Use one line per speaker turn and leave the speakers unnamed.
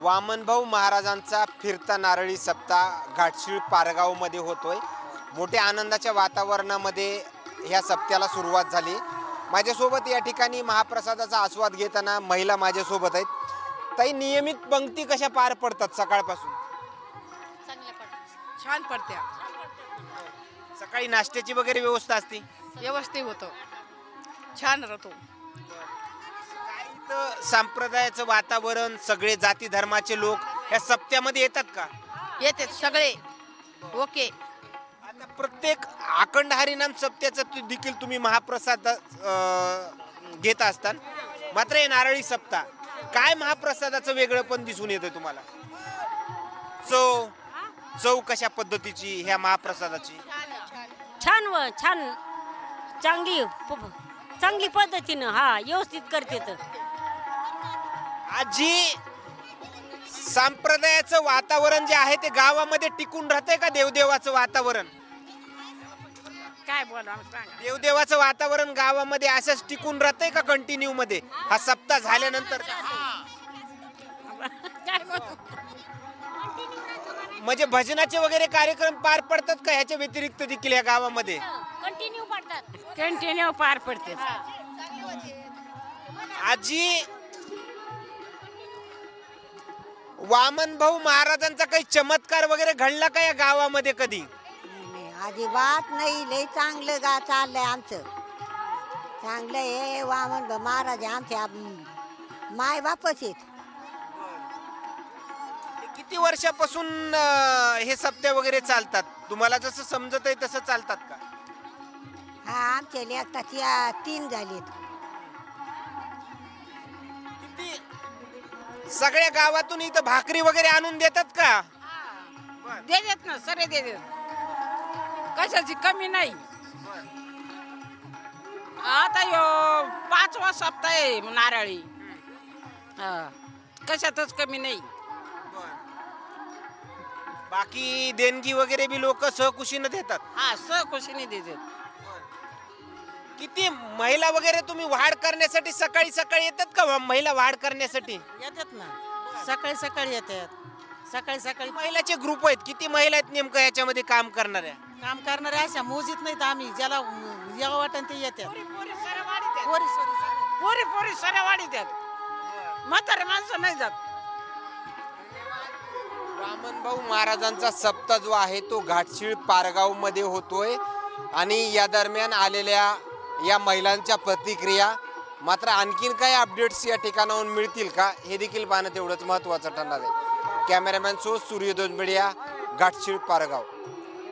वामनभाऊ महाराजांचा फिरता नारळी सप्ताह घाटशीळ पारगावमध्ये होतोय. मोठ्या आनंदाच्या वातावरणामध्ये ह्या सप्त्याला सुरुवात झाली. माझ्यासोबत या ठिकाणी महाप्रसादाचा आस्वाद घेताना महिला माझ्यासोबत आहेत. ताई, नियमित पंक्ती कशा पार पडतात सकाळपासून?
छान पडते.
सकाळी नाश्त्याची वगैरे व्यवस्था असते?
व्यवस्थित होतं, छान राहतो.
संप्रदायाचं वातावरण, सगळे जाती धर्माचे लोक या सप्त्यामध्ये येतात का?
येते सगळे. ओके.
आता प्रत्येक अखंड हरिनाम सप्त्याचं देखील तुम्ही महाप्रसाद घेत असता. मात्र हे नारळी सप्ताह काय महाप्रसादाचं वेगळं पण दिसून येतं तुम्हाला? चव कशा पद्धतीची ह्या महाप्रसादाची?
छान चांगली पद्धतीनं व्यवस्थित करते.
आजी, संप्रदायाचं वातावरण जे आहे ते गावामध्ये टिकून राहतंय का? देवदेवाचं वातावरण,
काय बोला सांगा.
देवदेवाचं वातावरण गावामध्ये असंच टिकून राहतंय का कंटिन्यू मध्ये हा सप्ताह झाल्यानंतर?
काय बोलू?
म्हणजे भजनाचे वगैरे कार्यक्रम पार पडतात का ह्याच्या व्यतिरिक्त देखील या गावामध्ये?
कंटिन्यू पडतात.
कंटिन्यू पार पडते.
आजी, वामनभाऊ महाराजांचा काही चमत्कार वगैरे घडला का या गावामध्ये कधी?
नाही, अजिबात नाही. लय चांगलं चाललंय आमचं. चांगलं हे वामन महाराज आमच्या माय बापच आहेत.
किती वर्षापासून हे सप्त्या वगैरे चालतात? तुम्हाला जसं समजत आहे तसं चालतात का?
हा, आमच्या लेखताची 3 झालीत.
किती सगळ्या गावातून इथं भाकरी वगैरे आणून देतात का?
देतात ना, सरे देतात. कशाची कमी नाही. आता यो 5वा सप्ताह आहे नारळी. कशातच कमी नाही.
बाकी देणगी वगैरे बी लोक सहकुशीनं देतात.
सहकुशीने देतात.
किती महिला वगैरे तुम्ही वाढ करण्यासाठी सकाळी सकाळी येतात का? महिला वाढ करण्यासाठी
येतात ना, सकाळी सकाळी येतात. सकाळी
महिलाचे ग्रुप आहेत. किती महिला आहेत नेमकं याच्यामध्ये काम करणाऱ्या?
काम करणारे अशा मोजीत नाहीत आम्ही. ज्याला यावं वाटन ते येतात.
पोरी सऱ्या वाढी द्यात. म्हातारे माणसं नाही जात.
वामनभाऊ महाराजांचा सप्ताह जो आहे तो घाटशीळ पारगाव मध्ये होतोय आणि या दरम्यान आलेल्या या महिलांच्या प्रतिक्रिया, मात्र आणखीन काही अपडेट्स या ठिकाणाहून मिळतील का हे देखील पाहणं तेवढंच महत्त्वाचं ठरणार आहे. कॅमेरामॅन सो सूर्यदोज मीडिया, घाटशीळ पारगाव.